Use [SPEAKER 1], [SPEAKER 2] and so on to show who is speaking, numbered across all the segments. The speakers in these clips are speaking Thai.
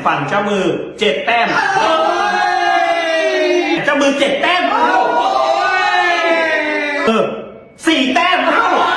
[SPEAKER 1] ฝั่งเจ้ามือ7 แต้มเจ้ามือ7 แต้ม4 แต้ม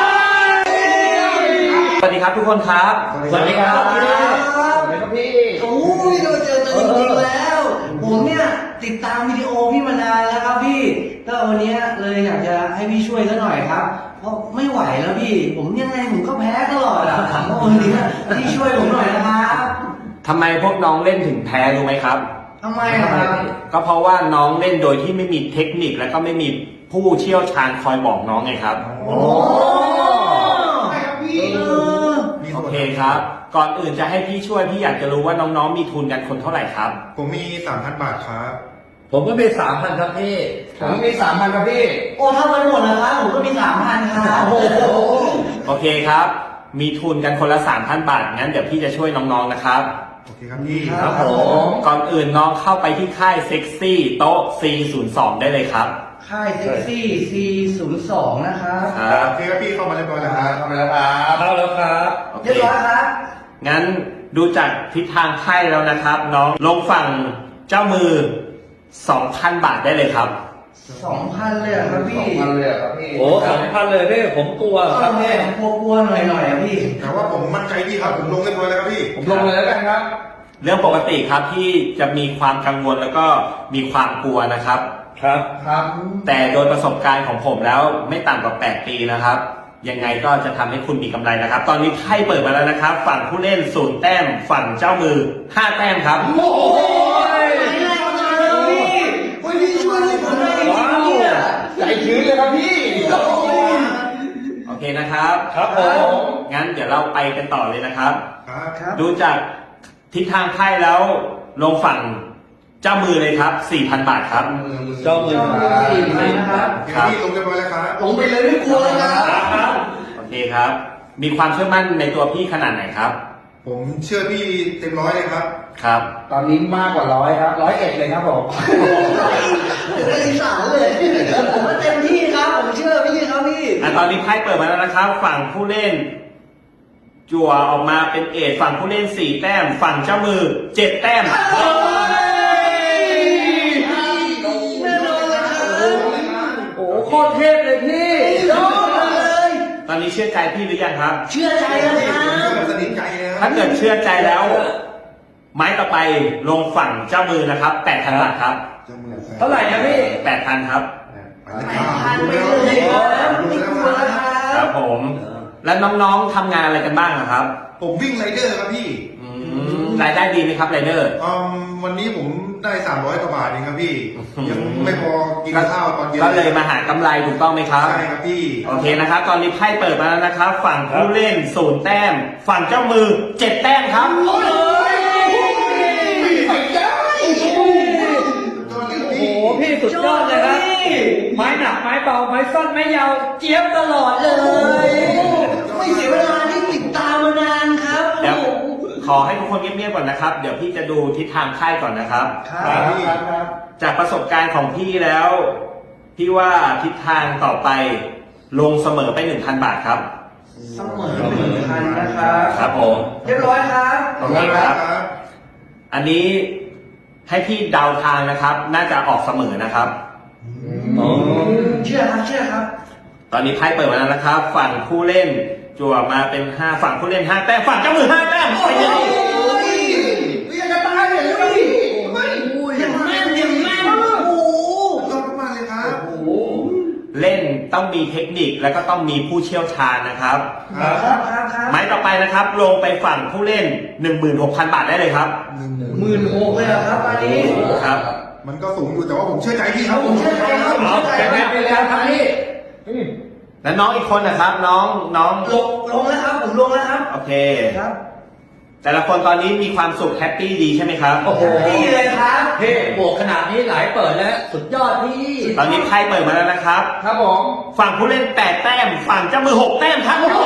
[SPEAKER 1] สวัสดีครับทุกคนครับ
[SPEAKER 2] สวัสดีครับ
[SPEAKER 3] สวัสดีครับพี่โอ้ยเราเจอตัวจริงๆแล้ว ผมเนี่ยติดตามวิดีโอพี่มานานแล้วครับพี่ก็วันนี้เลยอยากจะให้พี่ช่วยซะหน่อยครับเพราะไม่ไหวแล้วพี่ผมยังไงผมก็แพ้ตลอดอ่ะเพราะวันนี้พี่ช่วยผมหน่อยนะครับ
[SPEAKER 1] ทำไมพวกน้องเล่นถึงแพ้รู้ไหมครับ
[SPEAKER 3] ทำไมครับ
[SPEAKER 1] ก็เพราะว่าน้องเล่นโดยที่ไม่มีเทคนิคและก็ไม่มีผู้เชี่ยวชาญคอยบอกน้องไงครับ
[SPEAKER 3] โอ้ใช่ครับพี่
[SPEAKER 1] โอเคครับ ก่อนอื่นจะให้พี่ช่วยพี่อยากจะรู้ว่าน้องๆมีทุนกันคนเท่าไหร่ครับ
[SPEAKER 2] ผมมี 3,000 บาทครับ
[SPEAKER 4] ผมก็มี3,000ครับพี่
[SPEAKER 3] ผมมี 3,000ครับพี่โอ้ถ้ามันหมดแล้วครับผมก็มี 3,000ครับโอ้โห
[SPEAKER 1] โอเคครับมีทุนกันคนละ 3,000 บาทงั้นเดี๋ยวพี่จะช่วยน้องๆนะครับ
[SPEAKER 2] โอเคครับพี่
[SPEAKER 1] ครับผมก่อนอื่นน้องเข้าไปที่ค่ายเซ็กซี่โต๊ะ C02 ได้เลยครับ
[SPEAKER 3] ค่ายเซ็กซี่ C02 นะครับ
[SPEAKER 2] โอเคครับพี่เข้ามาเรียบร้อยแล้วครับ
[SPEAKER 4] เข้ามาแล้วครับเข้าแล้วครับ
[SPEAKER 3] เรียบร้อยครับ
[SPEAKER 1] งั้นดูจากทิศทางไพ่แล้วนะครับ น้องลงฝั่งเจ้ามือ 2,000 บาทได้เลยครับ
[SPEAKER 3] 2,000 เลยครับพี่
[SPEAKER 4] 2,000เลยครับพี่โอ้2,000เลยพี่ผมกลัวครับพี่
[SPEAKER 3] กลัวหน่อยพี่
[SPEAKER 2] แต่ว่าผมมั่นใจพี่ครับผมลงเรียบร้อยแล้วครับพี่
[SPEAKER 4] ผมลงเลยแล้วกันครับ
[SPEAKER 1] เรื่องปกติครับที่จะมีความกังวลแล้วก็มีความกลัวนะครับ
[SPEAKER 4] ครับ
[SPEAKER 1] แต่โดยประสบการณ์ของผมแล้วไม่ต่ำกว่า8 ปีนะครับยังไงก็จะทำให้คุณมีกำไรนะครับตอนนี้ไพ่เปิดมาแล้วนะครับฝั่งผู้เล่น0 แต้มฝั่งเจ้ามือ5 แต้มครับ
[SPEAKER 3] โอ้ยพี่ช่วยผมหน่อยเนี่ย
[SPEAKER 4] ใจชื้นเลยครับพี่
[SPEAKER 1] โอเคนะครับ
[SPEAKER 4] ครับผม
[SPEAKER 1] งั้นเดี๋ยวเราไปกันต่อเลยนะครับ
[SPEAKER 2] ครับ
[SPEAKER 1] ดูจากทิศทางไพ่แล้วลงฝั่งเจ้ามือเลยครับ 4,000 บาทครับ
[SPEAKER 4] เจ้ามือ
[SPEAKER 3] ครับ
[SPEAKER 2] พี่ลงเรียบร้อยแล้วครับ
[SPEAKER 3] ลงไปเลยไม่กลัวเลยครับ
[SPEAKER 1] โอเคครับมีความเชื่อมั่นในตัวพี่ขนาดไหนครับ
[SPEAKER 2] ผมเชื่อพี่เต็ม100เลยครับ
[SPEAKER 1] ครับ
[SPEAKER 4] ตอนนี้มากกว่า100ครับ101เลยครับผม
[SPEAKER 3] อีสานเลยผมเต็มที่ครับผมเชื่อพี่ครับพี่
[SPEAKER 1] ตอนนี้ไพ่เปิดมาแล้วนะครับฝั่งผู้เล่นจั่วออกมาเป็นเอทฝั่งผู้เล่น4 แต้มฝั่งเจ้ามือ7 แต้ม
[SPEAKER 4] โอ้โคตรเทพเลยพี่
[SPEAKER 1] ตอนนี้เชื่อใจพี่หรือยังครับ
[SPEAKER 3] เชื่อใจแล้วครับ
[SPEAKER 2] สนิทใจเลย
[SPEAKER 1] ถ้าเกิดเชื่อใจแล้วไม้ต่อไปลงฝั่งเจ้ามือนะครับ 8,000 บาทครับ
[SPEAKER 4] เท่าไหร่นะพี่
[SPEAKER 1] 8,000 ครับ
[SPEAKER 3] 8,000ไปเลย
[SPEAKER 1] ครับผมแล้วน้องๆทำงานอะไรกันบ้างครับ
[SPEAKER 2] ผมวิ่งไรเดอร์ครับพี่
[SPEAKER 1] รายได้ดีไหมครับไรเดอร์
[SPEAKER 2] วันนี้ผมได้300 กว่าบาทเองครับพี่ยังไม่พอกินข้าวตอนเย็น
[SPEAKER 1] ก็เลยมาหากำไรถูกต้องไหมครับ
[SPEAKER 2] ใช่ครับพี่
[SPEAKER 1] โอเคนะครับตอนนี้ไพ่เปิดมาแล้วนะครับฝั่งผู้เล่น0 แต้มฝั่งเจ้ามือ7 แต้มครับ
[SPEAKER 4] โอ้พี่สุดยอดเลยครับไม้หนักไม้เบาไม้สั้นไม้ยาวเจี๊ยบตลอดเลย
[SPEAKER 3] ไม่เสียเวลาที่ติดตามมานานครับ
[SPEAKER 1] เดี๋ยวขอให้ทุกคนเงียบๆก่อนนะครับเดี๋ยวพี่จะดูทิศทางไพ่ก่อนนะครับจากประสบการณ์ของพี่แล้วพี่ว่าทิศทางต่อไปลงเสมอไป 1,000 บาทครับ
[SPEAKER 3] เสมอ 1,000 นะครับ
[SPEAKER 1] ครับผม
[SPEAKER 3] เรียบร้อยครับ
[SPEAKER 1] โอเคครับอันนี้ให้พี่เดาทางนะครับน่าจะออกเสมอนะครับ
[SPEAKER 3] เชื่อครับ
[SPEAKER 1] ตอนนี้ไพ่เปิดมาแล้วนะครับฝั่งผู้เล่นจั่วมาเป็น5ฝั่งผู้เล่น5 แต้มฝั่งเจ้ามือ5 แต้ม
[SPEAKER 3] ไปเลยยังจะตายเลยยังแม่นโอ้
[SPEAKER 2] ยอดมากเลยครับ
[SPEAKER 1] เล่นต้องมีเทคนิคแล้วก็ต้องมีผู้เชี่ยวชาญนะครับไม้ต่อไปนะครับลงไปฝั่งผู้เล่น 16,000 บาทได้เลยครับ
[SPEAKER 3] 16,000เลยครับอันนี้
[SPEAKER 1] ครับ
[SPEAKER 2] มันก็สูงอยู่แต่ว่าผมเชื่อใจพี่ครับ
[SPEAKER 3] ผมเชื่อใจครับ
[SPEAKER 4] ไปแล้วครับพี่
[SPEAKER 1] แล้วน้องอีกคนนะครับน้อง
[SPEAKER 3] ลงแล้วครับผมลงแล้วครับ
[SPEAKER 1] โอเคครับแต่ละคนตอนนี้มีความสุขแฮปปี้ดีใช่ไหมครับ
[SPEAKER 4] โอ้โห
[SPEAKER 3] ดีเลยครับ
[SPEAKER 4] เฮ้บวกขนาดนี้หลายเปิดแล้วสุดยอดพี่
[SPEAKER 1] ตอนนี้ไพ่เปิดมาแล้วนะครับ
[SPEAKER 4] ครับผม
[SPEAKER 1] ฝั่งผู้เล่น8 แต้มฝั่งเจ้ามือ6 แต้มครับ
[SPEAKER 4] โอ้โห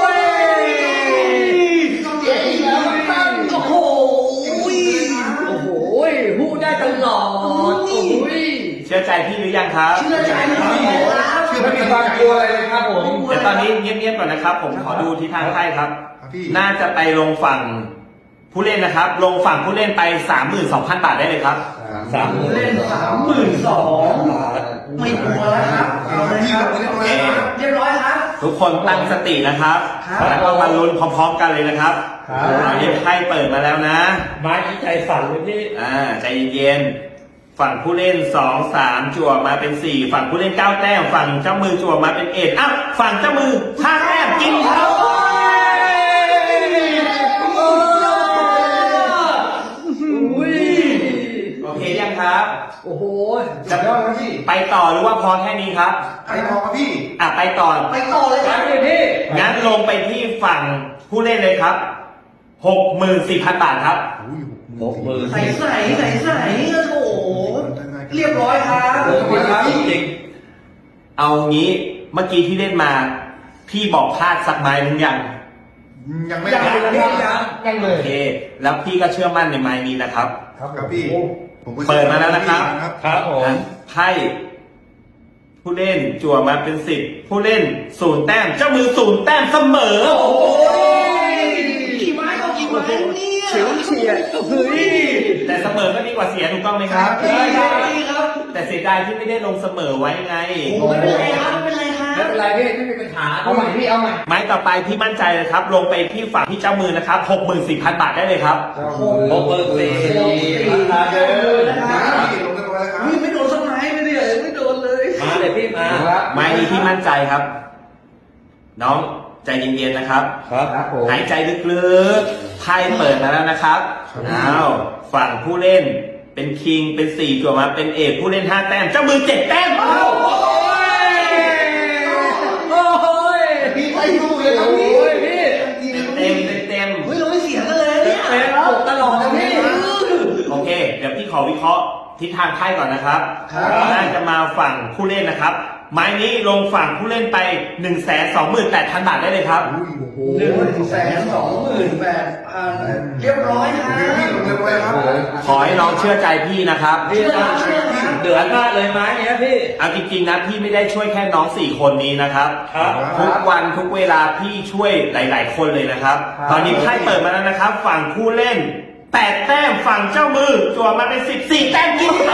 [SPEAKER 4] พูดได้ตลอด
[SPEAKER 1] เชื่อใจพี่หรือยังครับ
[SPEAKER 3] เชื่อใจครับ
[SPEAKER 4] ไม่มีความกลัวอะไรเลยครับผม
[SPEAKER 1] เดี๋ยวตอนนี้เงียบๆก่อนนะครับผมขอดูทิศทางไพ่ครับน่าจะไปลงฝั่งผู้เล่นนะครับ ลงฝั่งผู้เล่นไป 32,000 บาทได้เลยครับ
[SPEAKER 3] เล่น32,000ไม่กลัวแล้วครับเอาเลยครับเรียบร้อยครับ
[SPEAKER 1] ทุกคนตั้งสตินะครับ
[SPEAKER 3] ครับ
[SPEAKER 1] แล้วก็มาลุ้นพร้อมๆกันเลยนะครับอันนี้ไพ่เปิดมาแล้วนะ
[SPEAKER 4] ไม้นี้ใจสั่นเลยพี่
[SPEAKER 1] ใจเย็นๆฝั่งผู้เล่น2 3จั่วมาเป็น4ฝั่งผู้เล่น9แต้มฝั่งเจ้ามือจั่วมาเป็น1อ้าวฝั่งเจ้ามือ5แต้มกินครับ โอเคยังครับ
[SPEAKER 4] โอ้โห
[SPEAKER 2] สุดยอดครับพี่
[SPEAKER 1] ไปต่อหรือว่าพอแค่นี้ครับ
[SPEAKER 2] ไปต่อครับพี่
[SPEAKER 1] ไปต่อ
[SPEAKER 3] ไปต่อเลยค
[SPEAKER 4] ค
[SPEAKER 3] รั
[SPEAKER 4] รั
[SPEAKER 3] บบ
[SPEAKER 4] พี่
[SPEAKER 1] งั้นลงไปที่ฝั่งผู้เล่นเลยครับ 64,000 บาทครับ
[SPEAKER 3] ใส่โอ้โหเรียบร้อยครับ
[SPEAKER 4] จริง
[SPEAKER 1] เอางี้เมื่อกี้ที่เล่นมา พี่บอกพลาดสักไม้หรือยัง
[SPEAKER 2] ยังไม่
[SPEAKER 4] ยัง
[SPEAKER 2] ได้
[SPEAKER 4] เลยยังเล
[SPEAKER 1] โอย เค แล้วพี่ก็เชื่อมั่นในไม้นี้นะครับ
[SPEAKER 2] ครับพี่ผมก็
[SPEAKER 1] เปิดมาแล้วนะครับ
[SPEAKER 4] ครับผม
[SPEAKER 1] ไพ่ผู้เล่นจั่วมาเป็น10ผู้เล่น0แต้มเจ้ามือ0แต้มเสมอ โอ้โห
[SPEAKER 3] กี่ไม้ก็กี่ไม้เนี่ย
[SPEAKER 4] เฉียวเฉียดเฮ้ย
[SPEAKER 1] แต่เสมอก็ดีกว่าเสียถูกต้องไหมครับ
[SPEAKER 3] ใช่ครับ
[SPEAKER 1] แต่เสียดายที่ไม่ได้ลงเสมอไว้ไง
[SPEAKER 3] ไม่เป็นไรครับไม่เป็นไรครับ
[SPEAKER 4] ไม่เป็นไรพี่ไม่มีปัญหา
[SPEAKER 3] เอาใหม่พี่เอาใหม่
[SPEAKER 1] ไม้ต่อไปพี่มั่นใจเลยครับ ลงไปที่ฝั่งที่เจ้ามือนะครับ 64,000 บาทได้เลยครับ
[SPEAKER 4] โอ้โหราคาเยอะนะค
[SPEAKER 2] มา
[SPEAKER 4] รับ
[SPEAKER 2] พี่ลงเรียบร้อยแล้วครับ
[SPEAKER 3] ไม่โดนสักไม้ไม่ได้ไม่โดนเลย
[SPEAKER 4] มาเลยพี่มา
[SPEAKER 1] ไม้นี้พี่มั่นใจครับ น้องใจเย็นๆนะครับ
[SPEAKER 4] ครับผม
[SPEAKER 1] หายใจลึกๆไพ่เปิดมาแล้วนะครับอ้าวฝั่งผู้เล่นเป็นคิงเป็น4จั่วมาเป็นเอกผู้เล่น5แต้มเจ้ามือ7แต้ม
[SPEAKER 4] โอ้ย
[SPEAKER 2] พี่ไปดูเลยครับพี่
[SPEAKER 4] โอ้ยพี่
[SPEAKER 1] เต็มๆ
[SPEAKER 3] เฮ้ยเราไม่เสียกันเลยเนี่ย
[SPEAKER 4] เป็นปกตลอดนะพี่
[SPEAKER 1] โอเค เดี๋ยวพี่ขอวิเคราะห์ทิศทางไพ่ก่อนนะครับ
[SPEAKER 3] ครับ
[SPEAKER 1] น่าจะมาฝั่งผู้เล่นนะครับ ไม้นี้ลงฝั่งผู้เล่นไป 128,000 บาทได้เลยครับ
[SPEAKER 3] 128,000เรียบร้อยครั
[SPEAKER 2] พี่ลงเรียบร้อยครับ
[SPEAKER 1] ขอให้น้องเชื่อใจพี่นะครับ
[SPEAKER 4] พี่เดือดมากเลยไม้เนี้ยพี่
[SPEAKER 1] เอาจริงๆนะพี่ไม่ได้ช่วยแค่น้อง4คนนี้นะครับ
[SPEAKER 4] ครับ
[SPEAKER 1] ทุกวันทุกเวลาพี่ช่วยหลาย ๆ คนเลยนะครับ ตอนนี้ไพ่เปิดมาแล้วนะครับ ฝั่งผู้เล่น8แต้มฝั่งเจ้ามือจั่วมาเป็น14แต้มกินเลย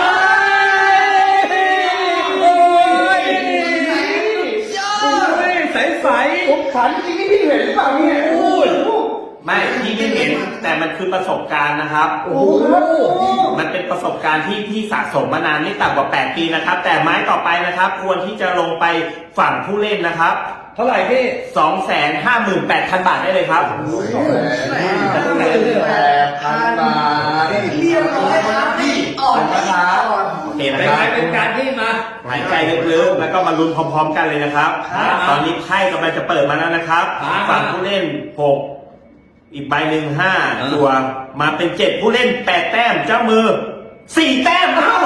[SPEAKER 4] ใสๆผมขันจริงที่พี่เห็นหรือเปล่าเนี่ยโอ้ย
[SPEAKER 1] ไม่พี่ไม่เห็นแต่มันคือประสบการณ์นะครับ
[SPEAKER 4] โอ้โห
[SPEAKER 1] มันเป็นประสบการณ์ที่พี่สะสมมานานไม่ต่ำกว่า8ปีนะครับ แต่ไม้ต่อไปนะครับ ควรที่จะลงไปฝั่งผู้เล่นนะครับ
[SPEAKER 4] เท่าไหร่พี่
[SPEAKER 1] 258,000 บาทได้เลยครับ
[SPEAKER 2] 258,000 บาท
[SPEAKER 3] เรียบร้อยครับพี่อ่อนนะครับ
[SPEAKER 1] โอเคนะ
[SPEAKER 4] เป็น
[SPEAKER 1] ค
[SPEAKER 4] ไง
[SPEAKER 1] รับ
[SPEAKER 4] เป็นการที่มา
[SPEAKER 1] หายใจลึกๆแล้วก็มาลุ้นพร้อมๆกันเลยนะครับ
[SPEAKER 4] ครับ
[SPEAKER 1] ตอนนี้ไพ่กำลังจะเปิดมาแล้วนะครับ
[SPEAKER 4] ครับ
[SPEAKER 1] ฝั่งผู้เล่น6อีกใบหนึ่ง5ตัวมาเป็น7ผู้เล่น8แต้มเจ้ามือ4แต้มเอ้า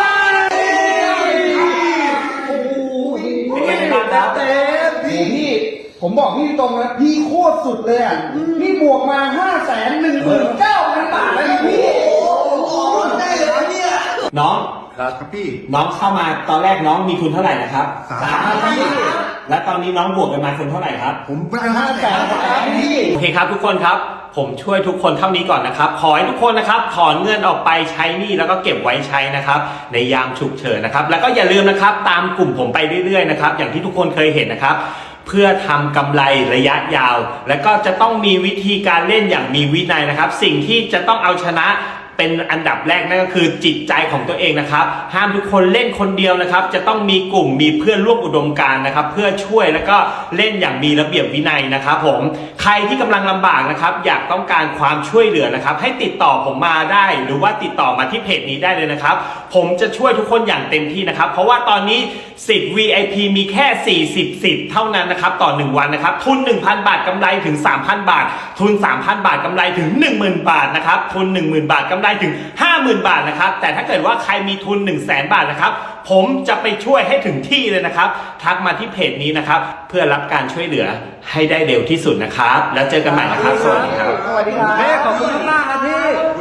[SPEAKER 1] เป็นไงบ้างครับ
[SPEAKER 5] พี่ผมบอกพี่ตรงนะพี่โคตรสุดเลยอ่ะพี่บวกมา519,000 บาทแล้วพี่
[SPEAKER 3] ได้เลยเนี่ย
[SPEAKER 1] น้อง
[SPEAKER 2] ครับพี่
[SPEAKER 1] น้องเข้ามาตอนแรกน้องมีทุนเท่าไหร่นะครับ
[SPEAKER 2] 3,000พี่
[SPEAKER 1] และตอนนี้น้องบวกกันมาทุนเท่าไหร่ครับ
[SPEAKER 2] ผมได้500,000
[SPEAKER 5] บาทพี่
[SPEAKER 1] โอเคครับทุกคนครับ ผมช่วยทุกคนเท่านี้ก่อนนะครับ ขอให้ทุกคนนะครับถอนเงินออกไปใช้หนี้แล้วก็เก็บไว้ใช้นะครับ ในยามฉุกเฉินนะครับ แล้วก็อย่าลืมนะครับตามกลุ่มผมไปเรื่อยๆนะครับ อย่างที่ทุกคนเคยเห็นนะครับ เพื่อทำกำไรระยะยาว และก็จะต้องมีวิธีการเล่นอย่างมีวินัยนะครับ สิ่งที่จะต้องเอาชนะเป็นอันดับแรกนั่นก็คือจิตใจของตัวเองนะครับห้ามทุกคนเล่นคนเดียวนะครับจะต้องมีกลุ่มมีเพื่อนร่วมอุดมการณ์นะครับเพื่อช่วยแล้วก็เล่นอย่างมีระเบียบวินัยนะครับผมใครที่กำลังลำบากนะครับอยากต้องการความช่วยเหลือนะครับให้ติดต่อผมมาได้หรือว่าติดต่อมาที่เพจนี้ได้เลยนะครับผมจะช่วยทุกคนอย่างเต็มที่นะครับเพราะว่าตอนนี้สิทธิ์ VIP มีแค่40สิทธิ์เท่านั้นนะครับต่อ1วันนะครับทุน 1,000 บาทกำไรถึง 3,000 บาททุน 3,000 บาทกำไรถึง 10,000 บาทนะครับทุน 10,000 บาทกำไรถึง 50,000 บาทนะครับแต่ถ้าเกิดว่าใครมีทุน 100,000 บาทนะครับผมจะไปช่วยให้ถึงที่เลยนะครับทักมาที่เพจนี้นะครับเพื่อรับการช่วยเหลือให้ได้เร็วที่สุดนะครับแล้วเจอกันใหม่นะครับสวัสดีครับ
[SPEAKER 5] สวัสดีครับ
[SPEAKER 4] ขอบคุณมากๆนะพี่